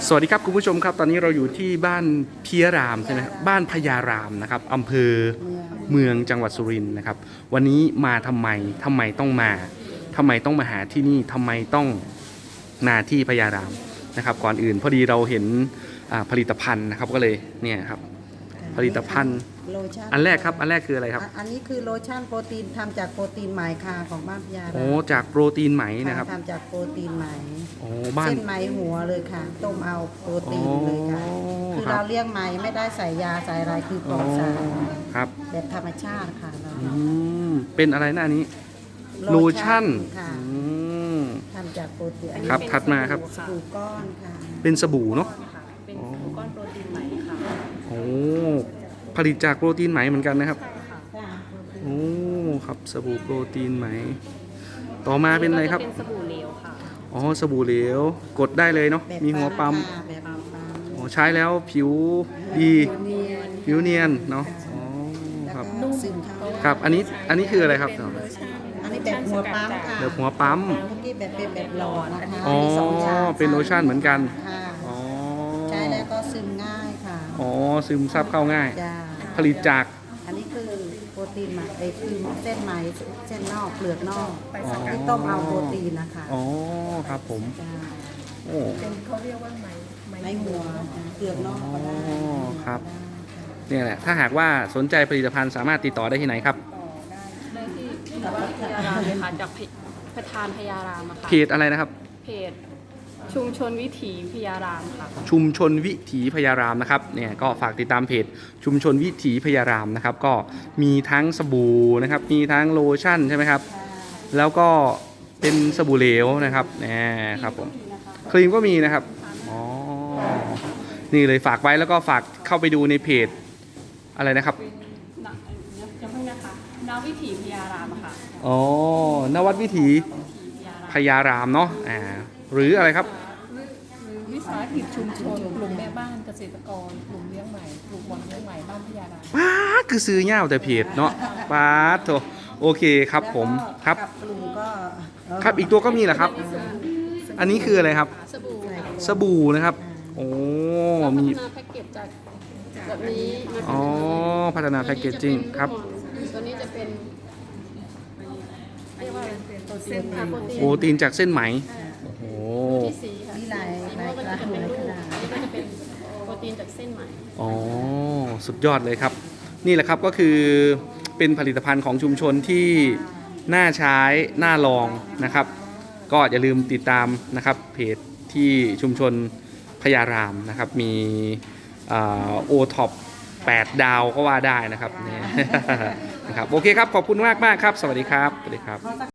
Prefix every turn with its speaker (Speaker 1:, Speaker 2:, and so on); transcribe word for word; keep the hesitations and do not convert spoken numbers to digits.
Speaker 1: สวัสดีครับคุณผู้ชมครับตอนนี้เราอยู่ที่บ้านพิยรามใช่ไหมบ้านพญารามนะครับอำเภอเมืองจังหวัดสุรินทร์นะครับวันนี้มาทำไมทำไมต้องมาทำไมต้องมาหาที่นี่ทำไมต้องมาที่พญารามนะครับก่อนอื่นพอดีเราเห็นผลิตภัณฑ์นะครับก็เลยเนี่ยครับผลิตภัณฑ์อันแรกครับอันแรกคืออะไรครับ
Speaker 2: อันนี้คือโลชั่นโปรตีนทำจากโปรตีนไหมค่ะของบ้านพญาราม
Speaker 1: โอ้จากโปรตีนไหมนะครับ
Speaker 2: ทำจากโปรตีนไหม
Speaker 1: โอ้บ้าน
Speaker 2: เส้นไหมหัวเลยค่ะต้มเอาโปรตีนเลยค่ะคือเราเลี้ยงไหมไม่ได้ใส่ยาใส่อะไรคือปลอดสาร
Speaker 1: ครับ
Speaker 2: แบบธรรมชาติค่ะเรา
Speaker 1: เป็นอะไรหน้านี้โลชั่น
Speaker 2: ค่ะทำจากโปรตีน
Speaker 1: ครับถัดมาครับ
Speaker 2: สบู่ก้อนค่ะ
Speaker 1: เป็นสบู่เนาะ
Speaker 3: เป็นสบู่ก้อนโปรตีนไหมค่ะ
Speaker 1: โอ้ผลิตจากโปรตีนไหมเหมือนกันนะครับโอ้ครับสบู่โปรตีนไหมต่อมาเป็นอะไรครับ
Speaker 3: เป็นสบู่เหลวค่ะ
Speaker 1: อ๋อสบู่เหลวกดได้เลยเนาะมีหัวปั๊มอ๋อใช้แล้วผิวดีผิวเนียนเนาะอ๋อครับครับอันนี้อันนี้คืออะไรครับ
Speaker 2: อันนี้แบบหัวปั๊มค่ะ
Speaker 1: แบบหัวปั๊ม
Speaker 2: เมื่อกี้แบบเป็นแบบหลอดนะคะ
Speaker 1: อ๋อเป็นโลชั่นเหมือนกัน
Speaker 2: อ๋อใช้แล้วก็ซึมง่ายค่ะ
Speaker 1: อ๋อซึมซับเข้าง่ายผลิตจาก
Speaker 2: อันนี้คือโปรตีนไหมไอ้คือเส้นไหมเส้นนอกเปลือกนอกที่ต้มเอาโปรตีนนะคะ
Speaker 1: อ๋อครับผมโอ้
Speaker 3: เป็นเขาเรียกว่าไหม
Speaker 2: ไหมหัวเปลือกนอกก็ได้
Speaker 1: ครับเนี่ยแหละถ้าหากว่าสนใจผลิตภัณฑ์สามารถติดต่อได้ที่ไหนครับ
Speaker 3: ได้ที่วัดพญารามเลยค่ะจากประธานพญารามอะค่ะ
Speaker 1: เพจอะไรนะครับ
Speaker 3: เพจชุมชนวิถีพญารามค่ะ
Speaker 1: ชุมชนวิถีพญารามนะครับเนี่ยก็ฝากติดตามเพจชุมชนวิถีพญารามนะครับก็มีทั้งสบู่นะครับมีทั้งโลชั่นใช่ไหมครับแล้วก็เป็นสบู่เหลวนะครับนี่ครับผมครีมก็มีนะครับอ๋อนี่เลยฝากไว้แล้วก็ฝากเข้าไปดูในเพจอะไรนะครับ
Speaker 3: ยังเพิ่งนะคะนวิถีพญารามค่ะ
Speaker 1: อ๋อนวัดวิถีพญารามเนาะอ่าหรืออะไรครับ
Speaker 3: วิสาหกิจชุมชนกลุ่มแม่บ้านเกษตรกรกลุ่มเลี้ยงใหม่กลุ่มวังเลี้ยงใหม่บ้านพญาราม
Speaker 1: ป้าคือซื้อเง่าแต่เพจเนาะป้าโถโอเคครับผมครับครับอีกตัวก็มีแหละครับอันนี้คืออะไรครับ
Speaker 3: สบู่
Speaker 1: สบู่นะครับโอ้มี
Speaker 3: พัฒนาแพ็กเกจจากแบบนี้
Speaker 1: อ๋อพัฒนาแพ็กเกจจิ้งครับ
Speaker 3: ตัวนี้จะเป็นเรียกว่าเส้น
Speaker 1: โปรตีนจากเส้นไหมโอ้โห
Speaker 3: ที่สีค่ะ
Speaker 2: นี่ลายลายกระดาษอันนี้
Speaker 3: ก็จะเป็นโปรตีนจากเส้นไหม
Speaker 1: อ๋อสุดยอดเลยครับนี่แหละครับก็คือเป็นผลิตภัณฑ์ของชุมชนที่น่าใช้น่าลองนะครับก็อย่าลืมติดตามนะครับเพจที่ชุมชนพญารามนะครับมีโอท็อปแปดดาวก็ว่าได้นะครับนี่นะครับโอเคครับขอบคุณมากมากครับสวัสดีครับสวัสดีครับ